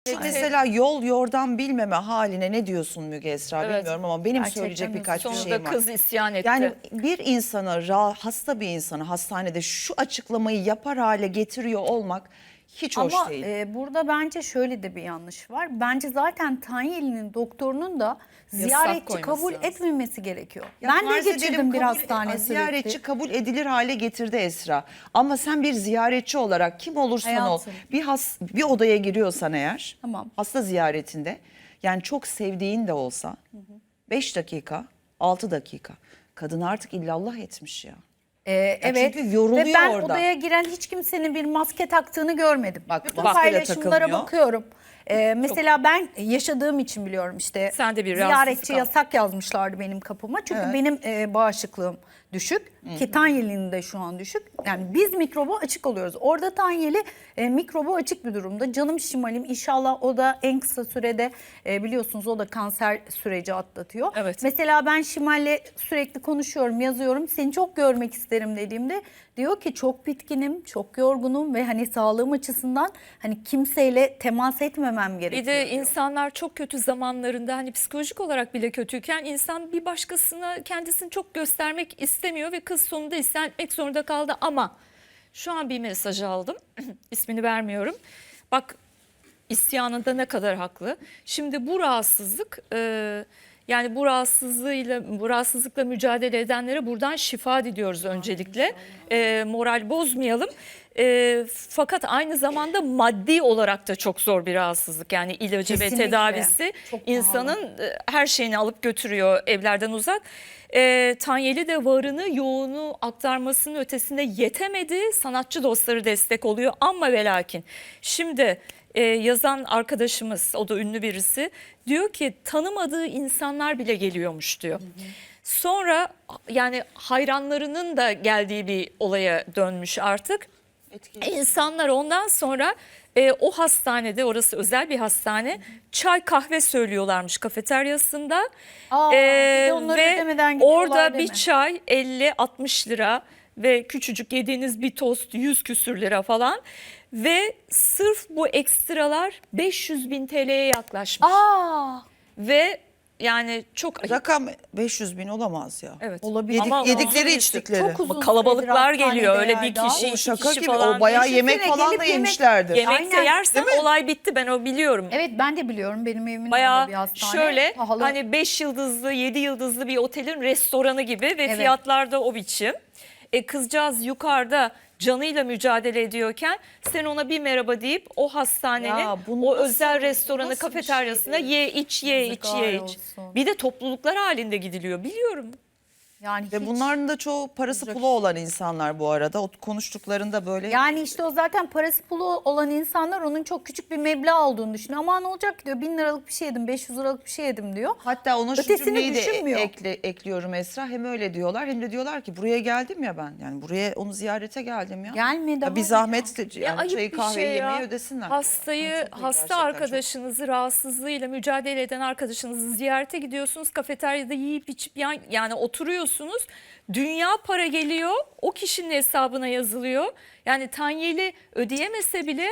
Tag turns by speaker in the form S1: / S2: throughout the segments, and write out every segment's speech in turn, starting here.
S1: Şu mesela yol yordam bilmeme haline ne diyorsun Müge Esra,
S2: Evet.
S1: bilmiyorum ama benim
S3: Gerçekten
S1: söyleyecek birkaç bir
S2: Sonunda
S1: şeyim var.
S2: kız isyan etti.
S1: Yani bir insana, hasta bir insanı hastanede şu açıklamayı yapar hale getiriyor olmak hiç hoş
S3: Ama
S1: değil.
S3: burada bence şöyle de bir yanlış var. Bence zaten Tanyeli'nin doktorunun da ziyaretçi
S2: koyması
S3: kabul
S2: lazım.
S3: etmemesi gerekiyor.
S1: Ya
S3: Ben de
S1: farz
S3: geçirdim
S1: edelim
S3: bir hastane
S1: ziyaretçi
S3: süreci.
S1: kabul edilir hale getirdi Esra. Ama sen bir ziyaretçi olarak kim olursan
S3: Hayatım.
S1: ol bir odaya giriyorsan eğer,
S3: Tamam.
S1: hasta ziyaretinde, yani çok sevdiğin de olsa 5 dakika 6 dakika kadın artık illallah etmiş ya.
S3: Evet.
S1: çünkü yoruluyor
S3: Ve ben
S1: orada.
S3: odaya giren hiç kimsenin bir maske taktığını görmedim.
S1: Bak,
S3: Bütün
S1: maske de
S3: paylaşımlara
S1: takılmıyor.
S3: bakıyorum. Mesela ben yaşadığım için biliyorum işte.
S2: Sen de bir
S3: ziyaretçi
S2: rahatsızlık al.
S3: yasak yazmışlardı benim kapıma. Çünkü
S1: Evet.
S3: benim bağışıklığım düşük. Ki Tanyeli'nin de şu an düşük. Yani biz mikroba açık oluyoruz. Orada Tanyeli mikroba açık bir durumda. Canım şimalim, inşallah o da en kısa sürede biliyorsunuz o da kanser süreci atlatıyor.
S2: Evet.
S3: Mesela ben Şimal'le sürekli konuşuyorum, yazıyorum. Seni çok görmek isterim dediğimde diyor ki çok bitkinim, çok yorgunum ve hani sağlığım açısından hani kimseyle temas etmemem gerekiyor.
S2: Bir de
S3: diyor.
S2: insanlar çok kötü zamanlarında hani psikolojik olarak bile kötüyken insan bir başkasına kendisini çok göstermek istemiyor ve kız sonunda isyan etmek zorunda kaldı. Ama şu an bir mesaj aldım. İsmini vermiyorum. Bak, isyanında ne kadar haklı. Şimdi bu rahatsızlık yani bu rahatsızlıkla mücadele edenlere buradan şifa diliyoruz öncelikle. Moral bozmayalım. Fakat aynı zamanda maddi olarak da çok zor bir rahatsızlık. Yani ilacı
S3: Kesinlikle.
S2: ve tedavisi
S3: Çok pahalı.
S2: insanın her şeyini alıp götürüyor evlerden uzak. Tanyeli de varını yoğunu aktarmasının ötesinde yetemedi. Sanatçı dostları destek oluyor ama ve lakin. Şimdi yazan arkadaşımız, o da ünlü birisi, diyor ki tanımadığı insanlar bile geliyormuş diyor. Sonra yani hayranlarının da geldiği bir olaya dönmüş artık. İnsanlar ondan sonra o hastanede, orası özel bir hastane, çay kahve söylüyorlarmış kafeteryasında.
S3: Aa, bir de onları ödemeden gidiyorlar
S2: Orada
S3: değil
S2: bir
S3: mi?
S2: çay 50-60 lira ve küçücük yediğiniz bir tost 100 küsür lira falan. Ve sırf bu ekstralar 500.000 TL'ye yaklaşmış.
S3: Aa,
S2: Ve yani çok ayıp.
S1: Rakam 500.000 olamaz ya.
S2: Evet.
S3: olabilir.
S2: Ama
S1: Yedikleri
S2: uzun
S1: içtikleri.
S3: Çok uzun
S2: Ama kalabalıklar
S3: süredir
S2: geliyor, öyle bir
S3: hastanede
S2: kişi,
S3: Erdal.
S1: O
S2: iki
S1: şaka
S2: kişi
S1: gibi,
S2: falan.
S1: o bayağı
S3: Düşünsene,
S1: yemek falan
S3: gelip
S1: da
S3: yemek-
S1: yemişlerdir.
S2: Yemekte
S3: Aynen.
S2: yersen olay bitti, ben o biliyorum.
S3: Evet, ben de biliyorum, benim evimin orada
S2: Bayağı
S3: bir hastane.
S2: şöyle
S3: Pahalı.
S2: hani 5 yıldızlı 7 yıldızlı bir otelin restoranı gibi ve
S3: Evet.
S2: fiyatlar da o biçim. Kızcağız yukarıda canıyla mücadele ediyorken sen ona bir merhaba deyip o hastanenin
S1: Ya bu
S2: o
S1: nasıl-
S2: özel restoranı,
S1: nasıl bir
S2: kafeteryasına
S1: şey?
S2: ye iç ye iç
S3: Yazıklar
S2: ye iç.
S3: olsun.
S2: Bir de topluluklar halinde gidiliyor, biliyorum.
S3: Yani
S1: Ve
S3: hiç-
S1: bunların da çoğu parası pulu olan insanlar bu arada. O konuştuklarında böyle
S3: Yani işte o zaten parası pulu olan insanlar onun çok küçük bir meblağ olduğunu düşünüyor. Ama ne olacak ki diyor, 1000 liralık bir şey yedim, 500 liralık bir şey yedim diyor.
S1: hatta ona şu
S3: Ötesini
S1: cümleyi de
S3: düşünmüyor.
S1: ekliyorum Esra. Hem öyle diyorlar hem de diyorlar ki buraya geldim ya ben. Yani buraya onu ziyarete geldim ya.
S3: Gelme de
S1: Ya bir
S3: var
S1: zahmet
S2: Ya
S1: yani
S2: ayıp
S1: çayı
S2: bir
S1: kahveyi
S2: şey ya.
S1: yemeği ödesinler.
S2: Hastayı,
S1: Yani çok iyi,
S2: hasta
S1: gerçekten
S2: arkadaşınızı, rahatsızlığıyla mücadele eden arkadaşınızı ziyarete gidiyorsunuz. Kafeteryada yiyip içip yani oturuyorsunuz. Dünya para geliyor. O kişinin hesabına yazılıyor. Yani Tanyeli ödeyemese bile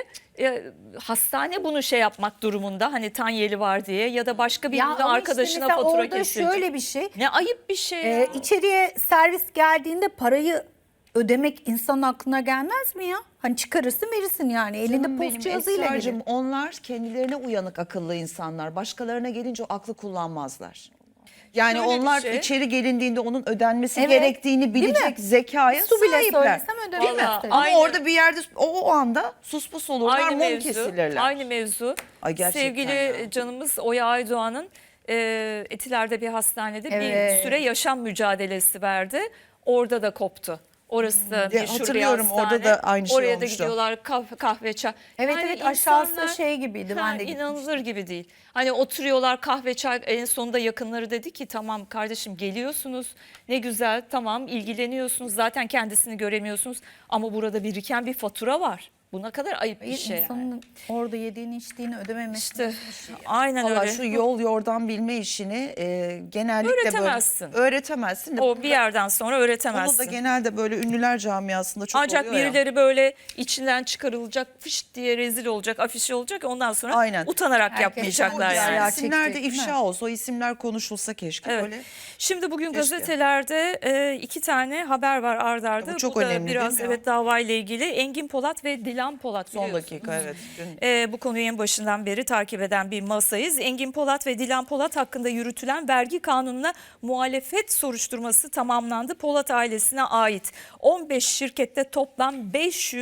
S2: hastane bunu şey yapmak durumunda. Hani Tanyeli var diye ya da başka bir
S3: Ya ama işte
S2: arkadaşına
S3: mesela
S2: fatura
S3: orada
S2: kesilecek.
S3: şöyle bir şey.
S2: Ne ayıp bir şey ya.
S3: İçeriye servis geldiğinde parayı ödemek insanın aklına gelmez mi ya? Hani çıkarırsın verirsin yani. Elinde
S1: Canım
S3: post
S1: benim
S3: cihazıyla
S1: Esra'cığım,
S3: gelir.
S1: onlar kendilerine uyanık akıllı insanlar. Başkalarına gelince o aklı kullanmazlar. Yani
S2: Şöyle bir
S1: onlar
S2: şey.
S1: içeri gelindiğinde onun ödenmesi
S3: Evet,
S1: gerektiğini
S3: değil mi?
S1: bilecek zekaya
S3: Su bile
S1: sahipler.
S3: söylesem ödemek
S1: Değil mi?
S3: isterim.
S1: Ama
S2: Aynı-
S1: orada bir yerde o anda sus olurlar,
S2: Aynı
S1: mum
S2: mevzu,
S1: kesilirler.
S2: aynı mevzu.
S1: Ay gerçekten
S2: Sevgili
S1: ya.
S2: canımız Oya Aydoğan'ın Etiler'de bir hastanede
S3: Evet.
S2: bir süre yaşam mücadelesi verdi. Orada da koptu. Orası da meşhur bir
S1: hatırlıyorum,
S2: hastane.
S1: orada da aynı şey
S2: Oraya da
S1: olmuştu.
S2: gidiyorlar kahve çay.
S3: Evet,
S2: Yani
S3: evet, aşağısı
S2: insanlar-
S3: şey gibiydi, ben de
S2: inanılır gibi değil. Hani oturuyorlar kahve çay, en sonunda yakınları dedi ki tamam kardeşim geliyorsunuz ne güzel, tamam ilgileniyorsunuz, zaten kendisini göremiyorsunuz ama burada biriken bir fatura var. Bu ne kadar ayıp bir şey yani.
S3: İnsanın orada yediğini içtiğini ödememesi.
S2: İşte aynen
S1: Valla
S2: öyle.
S1: şu yol yordan bilme işini genellikle
S2: Öğretemezsin.
S1: böyle öğretemezsin. De
S2: O bir yerden sonra
S1: bunu
S2: öğretemezsin.
S1: da genelde böyle ünlüler camiasında çok
S2: Ancak
S1: oluyor ya.
S2: birileri böyle içinden çıkarılacak, fışt diye rezil olacak, afişi olacak. Ondan sonra
S1: Aynen.
S2: utanarak
S3: Herkes
S2: yapmayacaklar
S3: çok
S2: yani.
S3: güzel.
S1: İsimler de
S3: Çekecek, değil mi?
S1: ifşa olsa, o isimler konuşulsa keşke
S2: Evet.
S1: böyle.
S2: Şimdi bugün
S1: Keşke.
S2: gazetelerde 2 tane haber var ard arda.
S1: Bu çok
S2: da
S1: önemli
S2: biraz
S1: değil mi ya?
S2: evet davayla ilgili. Engin Polat ve Dilan Polat.
S1: Son
S2: biliyorsunuz.
S1: dakika evet. Dün
S2: Bu konuyu en başından beri takip eden bir masayız. Engin Polat ve Dilan Polat hakkında yürütülen vergi kanununa muhalefet soruşturması tamamlandı. Polat ailesine ait 15 şirkette toplam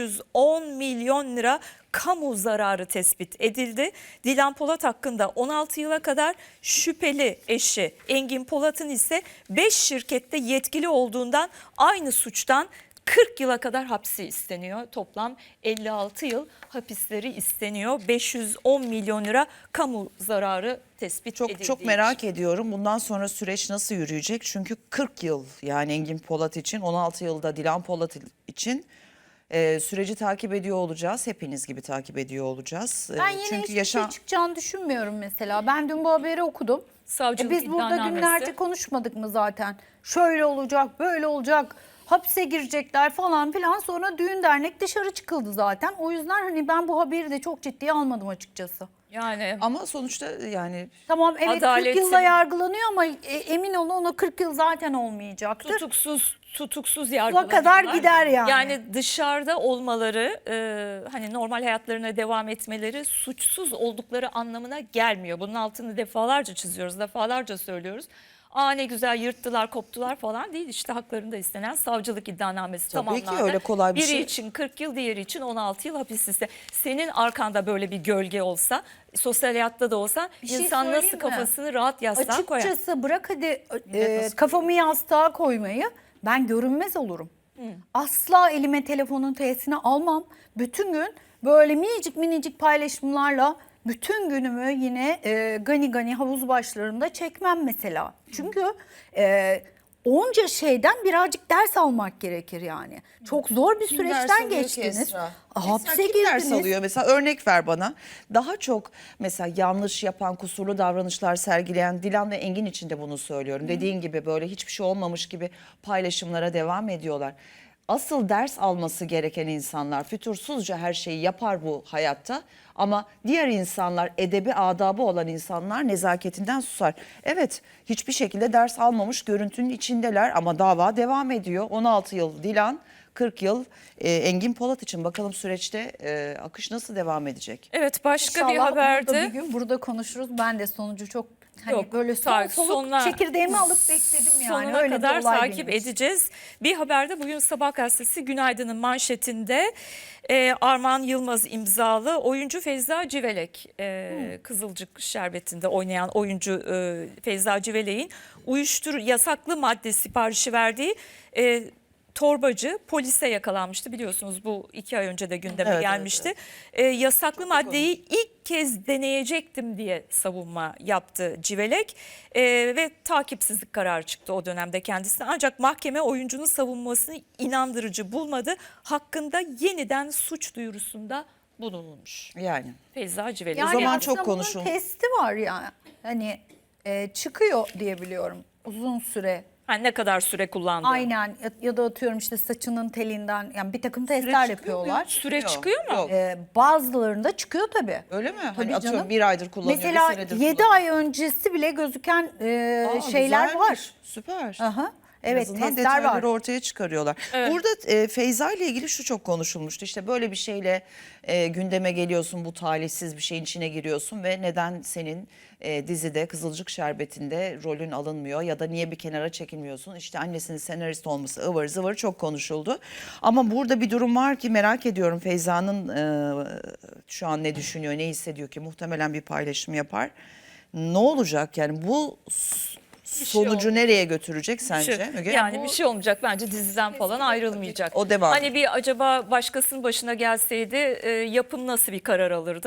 S2: 510 milyon lira kamu zararı tespit edildi. Dilan Polat hakkında 16 yıla kadar, şüpheli eşi Engin Polat'ın ise 5 şirkette yetkili olduğundan aynı suçtan 40 yıla kadar hapsi isteniyor. Toplam 56 yıl hapisleri isteniyor. 510 milyon lira kamu zararı tespit edildiği
S1: çok
S2: için.
S1: merak ediyorum. Bundan sonra süreç nasıl yürüyecek? Çünkü 40 yıl yani Engin Polat için, 16 yılda Dilan Polat için süreci takip ediyor olacağız. Hepiniz gibi takip ediyor olacağız.
S3: Ben yine
S1: Çünkü
S3: hiçbir şey çıkacağını düşünmüyorum mesela. Ben dün bu haberi okudum.
S2: Savcılık
S3: Biz burada
S2: iddianamesi.
S3: günlerce konuşmadık mı zaten? Şöyle olacak, böyle olacak, hapse girecekler falan filan. Sonra düğün dernek dışarı çıkıldı zaten. O yüzden hani ben bu haberi de çok ciddiye almadım açıkçası.
S2: Yani
S1: Ama sonuçta yani
S3: Tamam evet 40
S2: Adaletin-
S3: yılla yargılanıyor ama emin olun ona 40 yıl zaten olmayacaktır.
S2: tutuksuz
S3: O
S2: yargılanıyorlar.
S3: kadar gider yani.
S2: Yani dışarıda olmaları, hani normal hayatlarına devam etmeleri suçsuz oldukları anlamına gelmiyor. Bunun altını defalarca çiziyoruz, defalarca söylüyoruz. Aa ne güzel yırttılar, koptular falan değil. İşte haklarında istenen savcılık iddianamesi
S1: Tabii ki
S2: tamamlandı.
S1: öyle kolay bir
S2: Biri
S1: şey.
S2: için 40 yıl, diğeri için 16 yıl hapis iste. Senin arkanda böyle bir gölge olsa, sosyal hayatta da olsa
S3: Bir şey
S2: insan nasıl
S3: söyleyeyim mi?
S2: kafasını rahat yastığa koyar?
S3: Açıkçası bırak hadi
S2: nasıl
S3: kafamı yastığa koymayı, ben görünmez olurum. Asla elime telefonun T'sini almam. Bütün gün böyle minicik paylaşımlarla bütün günümü yine gani gani havuz başlarında çekmem mesela. Çünkü onca şeyden birazcık ders almak gerekir yani. Çok zor bir
S1: Kim ders
S3: süreçten
S1: alıyor ki
S3: geçtiniz.
S1: Esra?
S3: Hapse
S1: Mesela kim ders
S3: girdiniz.
S1: alıyor? Mesela örnek ver bana. Daha çok mesela yanlış yapan, kusurlu davranışlar sergileyen Dilan ve Engin için de bunu söylüyorum. Dediğin gibi böyle hiçbir şey olmamış gibi paylaşımlara devam ediyorlar. Asıl ders alması gereken insanlar fütursuzca her şeyi yapar bu hayatta. Ama diğer insanlar, edebi adabı olan insanlar nezaketinden susar. Evet, hiçbir şekilde ders almamış görüntünün içindeler ama dava devam ediyor. 16 yıl Dilan, 40 yıl Engin Polat için. Bakalım süreçte akış nasıl devam edecek?
S2: Evet, başka bir
S3: İnşallah onu da
S2: haberde.
S3: bir gün burada konuşuruz. Ben de sonucu çok hani
S2: Yok,
S3: böyle soluk çekirdeğimi alıp bekledim yani.
S2: Sonuna
S3: Öyle bir
S2: kadar
S3: olay
S2: takip
S3: benim için.
S2: edeceğiz. Bir haberde bugün Sabah gazetesi Günaydın'ın manşetinde Armağan Yılmaz imzalı oyuncu Feyza Civelek, Kızılcık Şerbeti'nde oynayan oyuncu Feyza Civelek'in yasaklı madde siparişi verdiği torbacı polise yakalanmıştı. Biliyorsunuz bu 2 ay önce de gündeme
S1: Evet,
S2: gelmişti. Yasaklı maddeyi ilk kez deneyecektim diye savunma yaptı Civelek ve takipsizlik kararı çıktı o dönemde kendisine. Ancak mahkeme oyuncunun savunmasını inandırıcı bulmadı. Hakkında yeniden suç duyurusunda bulunulmuş.
S1: Yani
S2: Feyza Civelek.
S3: Yani
S1: zaman
S3: aslında
S1: çok
S3: bunun
S1: konuşuldu.
S3: testi var ya. Hani çıkıyor diye biliyorum uzun süre.
S2: Yani ne kadar süre kullandı?
S3: Aynen ya da atıyorum işte saçının telinden yani bir takım testler yapıyorlar.
S2: Süre çıkıyor mu?
S1: Yok.
S3: Bazılarında çıkıyor tabii.
S1: Öyle mi?
S3: Tabii
S1: Hani atıyorum
S3: canım.
S1: 1 aydır kullanıyor,
S3: Mesela
S1: bir senedir
S3: 7
S1: kullanıyor.
S3: ay öncesi bile gözüken şeyler
S1: Güzelmiş,
S3: var.
S1: Süper.
S3: Aha.
S1: En
S3: Evet
S1: azından
S3: testler var.
S1: detayları ortaya çıkarıyorlar.
S2: Evet.
S1: Burada Feyza ile ilgili şu çok konuşulmuştu. İşte böyle bir şeyle gündeme geliyorsun, bu talihsiz bir şeyin içine giriyorsun ve neden senin dizide Kızılcık Şerbeti'nde rolün alınmıyor ya da niye bir kenara çekilmiyorsun? İşte annesinin senarist olması ıvır zıvır çok konuşuldu. Ama burada bir durum var ki merak ediyorum Feyza'nın şu an ne düşünüyor, ne hissediyor ki muhtemelen bir paylaşım yapar. Ne olacak yani bu sonucu nereye götürecek sence Müge?
S2: Yani bir şey olmayacak bence, diziden falan ayrılmayacak.
S1: O devam.
S2: Hani bir acaba başkasının başına gelseydi yapım nasıl bir karar alırdı?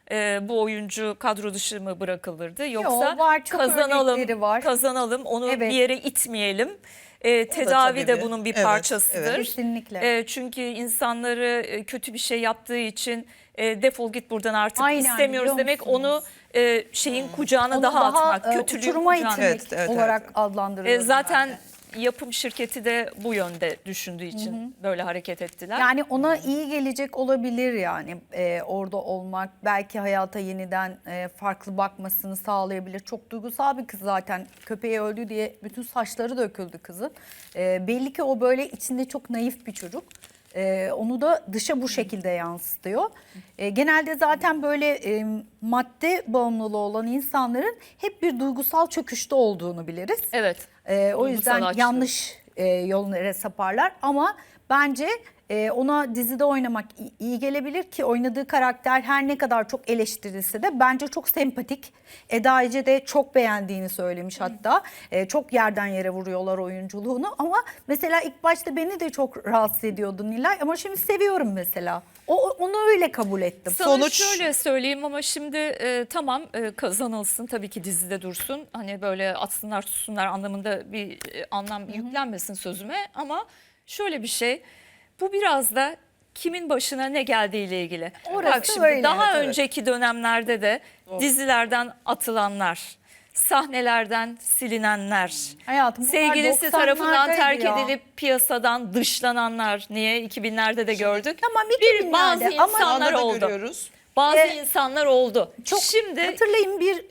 S2: bu oyuncu kadro dışı mı bırakılırdı? Yoksa
S3: var, çok örnekleri var.
S2: kazanalım, onu
S3: Evet.
S2: bir yere itmeyelim. Tedavi
S1: tabii
S2: de
S1: bir-
S2: bunun bir
S1: evet,
S2: parçasıdır.
S1: evet.
S3: Kesinlikle.
S2: Çünkü insanları kötü bir şey yaptığı için defol git buradan artık
S3: Aynen,
S2: istemiyoruz
S3: biliyor
S2: demek,
S3: musunuz?
S2: onu şeyin kucağına
S3: Onu
S2: daha atmak,
S3: e,
S2: kötülüğün
S3: uçuruma
S2: kucağına.
S3: itmek
S1: Evet, evet,
S3: olarak
S1: evet.
S3: adlandırıyorum.
S2: Zaten
S3: ben de.
S2: yapım şirketi de bu yönde düşündüğü için böyle hareket ettiler.
S3: Yani ona iyi gelecek olabilir yani orada olmak. Belki hayata yeniden farklı bakmasını sağlayabilir. Çok duygusal bir kız zaten. Köpeği öldü diye bütün saçları döküldü kızın. Belli ki o böyle içinde çok naif bir çocuk. Onu da dışa bu şekilde yansıtıyor. Genelde zaten böyle madde bağımlılığı olan insanların hep bir duygusal çöküşte olduğunu biliriz.
S2: Evet.
S3: O
S2: Duygusal
S3: yüzden
S2: açlığı.
S3: yanlış yollara saparlar ama bence ona dizide oynamak iyi gelebilir ki oynadığı karakter her ne kadar çok eleştirilse de bence çok sempatik. Eda Ece de çok beğendiğini söylemiş hatta. Çok yerden yere vuruyorlar oyunculuğunu ama mesela ilk başta beni de çok rahatsız ediyordu Nilay ama şimdi seviyorum mesela. Onu öyle kabul ettim.
S2: Sana
S1: Sonuç-
S2: şöyle söyleyeyim ama şimdi tamam, kazanılsın tabii ki, dizide dursun. Hani böyle atsınlar tutsunlar anlamında bir anlam yüklenmesin sözüme, ama şöyle bir şey, bu biraz da kimin başına ne geldiğiyle ilgili.
S3: Orası
S2: Bak şimdi
S3: öyle,
S2: daha
S1: evet, evet.
S2: önceki dönemlerde de dizilerden atılanlar, sahnelerden silinenler,
S3: Hayatım, bunlar
S2: sevgilisi tarafından
S3: 90'lardaydı
S2: terk
S3: ya.
S2: edilip piyasadan dışlananlar, niye 2000'lerde de gördük.
S3: Tamam,
S2: Bir bazı
S3: 2000'lerde ama
S2: insanlar
S1: Anda da
S2: oldu.
S1: görüyoruz.
S2: Bazı
S3: Ee,
S2: insanlar oldu.
S3: Çok
S2: Şimdi
S3: hatırlayın, bir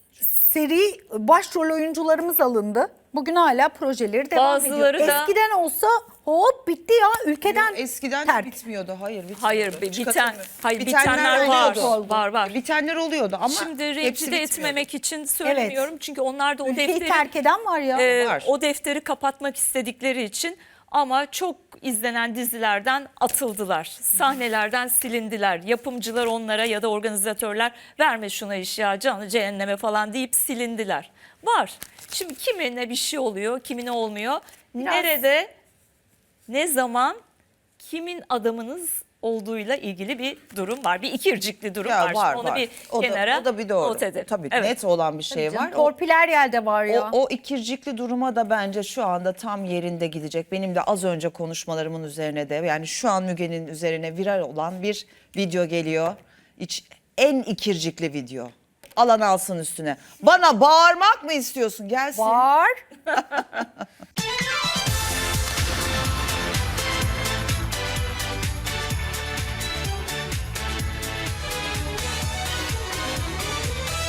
S3: seri başrol oyuncularımız alındı. Bugün hala projeleri devam
S2: Bazıları
S3: ediyor.
S2: da-
S3: Eskiden olsa hop bitti ya, ülkeden
S1: Yok, eskiden
S3: terk.
S1: de bitmiyordu. Hayır, bitmiyordu.
S2: hayır,
S1: Hiç
S2: biten,
S1: katılmıyorum.
S2: hayır,
S1: Bitenler
S2: bitenler var.
S1: oluyordu.
S2: Var.
S1: Bitenler oluyordu ama
S2: Şimdi
S1: hepsi
S2: rencide
S1: bitmiyordu.
S2: etmemek için söylemiyorum. Çünkü onlar da o
S3: Ülkeyi
S2: defteri
S3: terk eden var ya.
S1: Var.
S2: o defteri kapatmak istedikleri için, ama çok izlenen dizilerden atıldılar. Sahnelerden silindiler. Yapımcılar onlara ya da organizatörler verme şuna iş ya, canı cehenneme falan deyip silindiler. Var. Şimdi kimine bir şey oluyor, kimine olmuyor.
S3: Biraz-
S2: Nerede, ne zaman, kimin adamınız olduğuyla ilgili bir durum var. Bir ikircikli durum
S1: Ya
S2: var.
S1: var,
S2: Şimdi onu
S1: var.
S2: bir
S1: O da-
S2: kenara
S1: o da bir doğru.
S2: not edelim.
S1: Tabii
S2: Evet.
S1: net olan bir şey
S3: Canım,
S1: var.
S3: torpil her yerde var ya.
S1: O ikircikli duruma da bence şu anda tam yerinde gidecek. Benim de az önce konuşmalarımın üzerine de, yani şu an Müge'nin üzerine viral olan bir video geliyor. En ikircikli video. Alan alsın üstüne. Bana bağırmak mı istiyorsun? Gelsin.
S3: Var.